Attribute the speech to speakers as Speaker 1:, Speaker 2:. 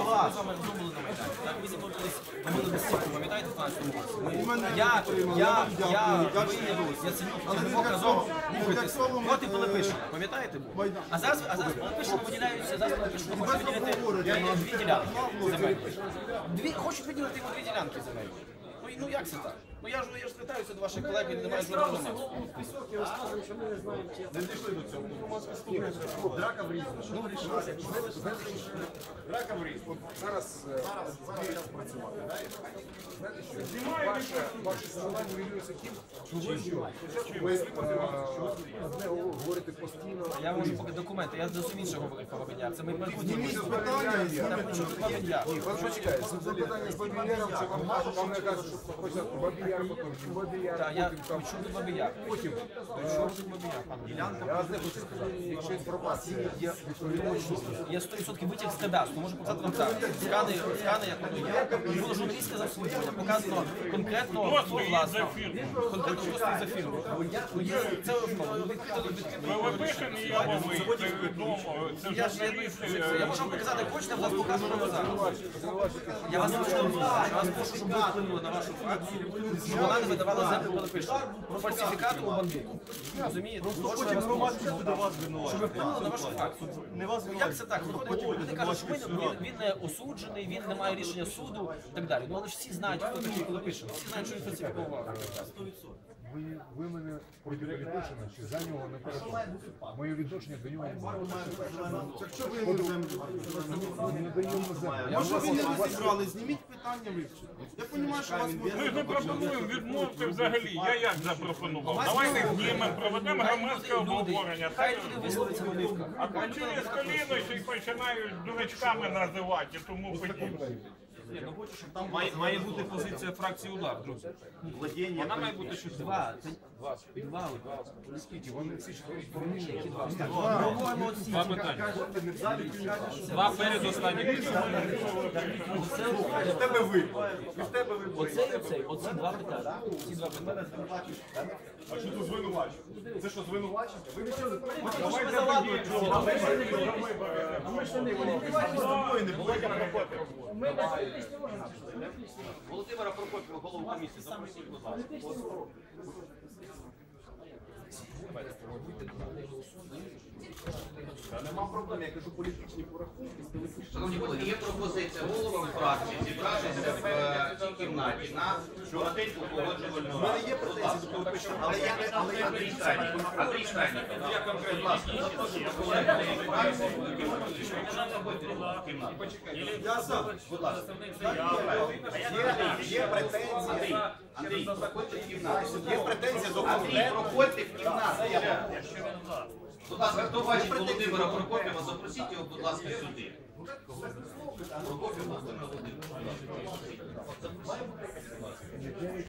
Speaker 1: ми з вами думали на Майдані. Так, ми зібрались, ми були без стільки, пам'ятаєте, в 15-му році? Я Цимбалюк разом рухайтесь проти Пилипишина, пам'ятаєте? А зараз Пилипишин виділяються, зараз Пилипишин хоче виділити дві ділянки земельні. Хочуть виділити йому дві ділянки земельні. Ну як це так? Ну я ж звертаюся до ваших колег, він не має жодного носу.
Speaker 2: Не дійшли до цього. Драка в Різні. Драка в Різні. Зараз час працювати. Знаєте що? Ваше слова виявилося тим, що ви з нього говорите постійно.
Speaker 1: Я можу поки документи, я зовсім інше говорив про Бабин Яр. Це ми майбутнє.
Speaker 2: Почекайте, запитання з Бабин Яром, це вам не кажуть, що спочатку Бабин Яр, потім Бабин Яр,
Speaker 1: Так, я почув до Бабин Яр.
Speaker 2: потім. Я вас не хочу сказати, якщо інформація є відповідальність.
Speaker 1: Я 100% витяг з кадастру, можу показати вам так. Скани, як воно є. Було журналістське заслуження, показано конкретно, власне, конкретно просто за фірму. Це
Speaker 3: Пилипишин і Яловий, це відомо, це журналісти.
Speaker 1: Я можу вам показати, хочете, я вас покажу на зараз. Я вас прошу, щоб ви вплинули на вашу фракцію, щоб вона не видавала землю Пилипишину. Про фальсифікат у бандиту. Розумієте?
Speaker 4: Потім громадськість буде вас винувати.
Speaker 1: Щоб ви вплинули на вашу фракцію.
Speaker 4: Не вас
Speaker 1: Як це так? Люди кажуть, що він не осуджений, він не має рішення суду і так далі. Ну але ж всі знають, хто такий Пилипишин. Всі знають, що він фальсифікував.
Speaker 2: Ви мене проти Пилипишина чи за нього не переконуєте? Моє відношення до нього немає.
Speaker 5: Так що ви йому землю?
Speaker 2: Не даємо землю.
Speaker 5: Може ви не зібрали, зніміть питання вивчити. Я розумію, що вас
Speaker 3: Ми ж не пропонуємо відмовити взагалі. Я як запропонував? Давайте знімемо, проведемо громадське обговорення.
Speaker 1: Хай люди висловляться на вивках.
Speaker 3: А почали з коліна і починають дурачками називати і тому подібне.
Speaker 4: Має бути позиція фракції «Удар», друзі. Вона має бути щось.
Speaker 1: Два.
Speaker 2: Скільки? Вони всі чотири
Speaker 4: Два питання. Два передостанні.
Speaker 1: Оці два питання.
Speaker 2: А що тут звинувачення? Це що звинувачення? Ви нічого
Speaker 4: Володимира Прокопєва, голову комісії, запросіть, будь ласка.
Speaker 2: Нема проблем, я кажу політичні порахунки.
Speaker 6: Шановні колеги, є пропозиція головам фракції зібратися в цій кімнаті на коротеньку погоджувальну раду.
Speaker 2: Є претензії до Пилипишина, але я
Speaker 6: Андрій Штайніков. Андрій Штайніков. Будь ласка,
Speaker 5: Я сам.
Speaker 6: будь ласка.
Speaker 2: є претензії.
Speaker 6: Андрій, проходьте в кімнату.
Speaker 2: Є претензії до
Speaker 6: Андрій, проходьте в кімнату. Будь ласка, хто бачить Володимира Прокопєва, запросіть його, будь ласка, сюди.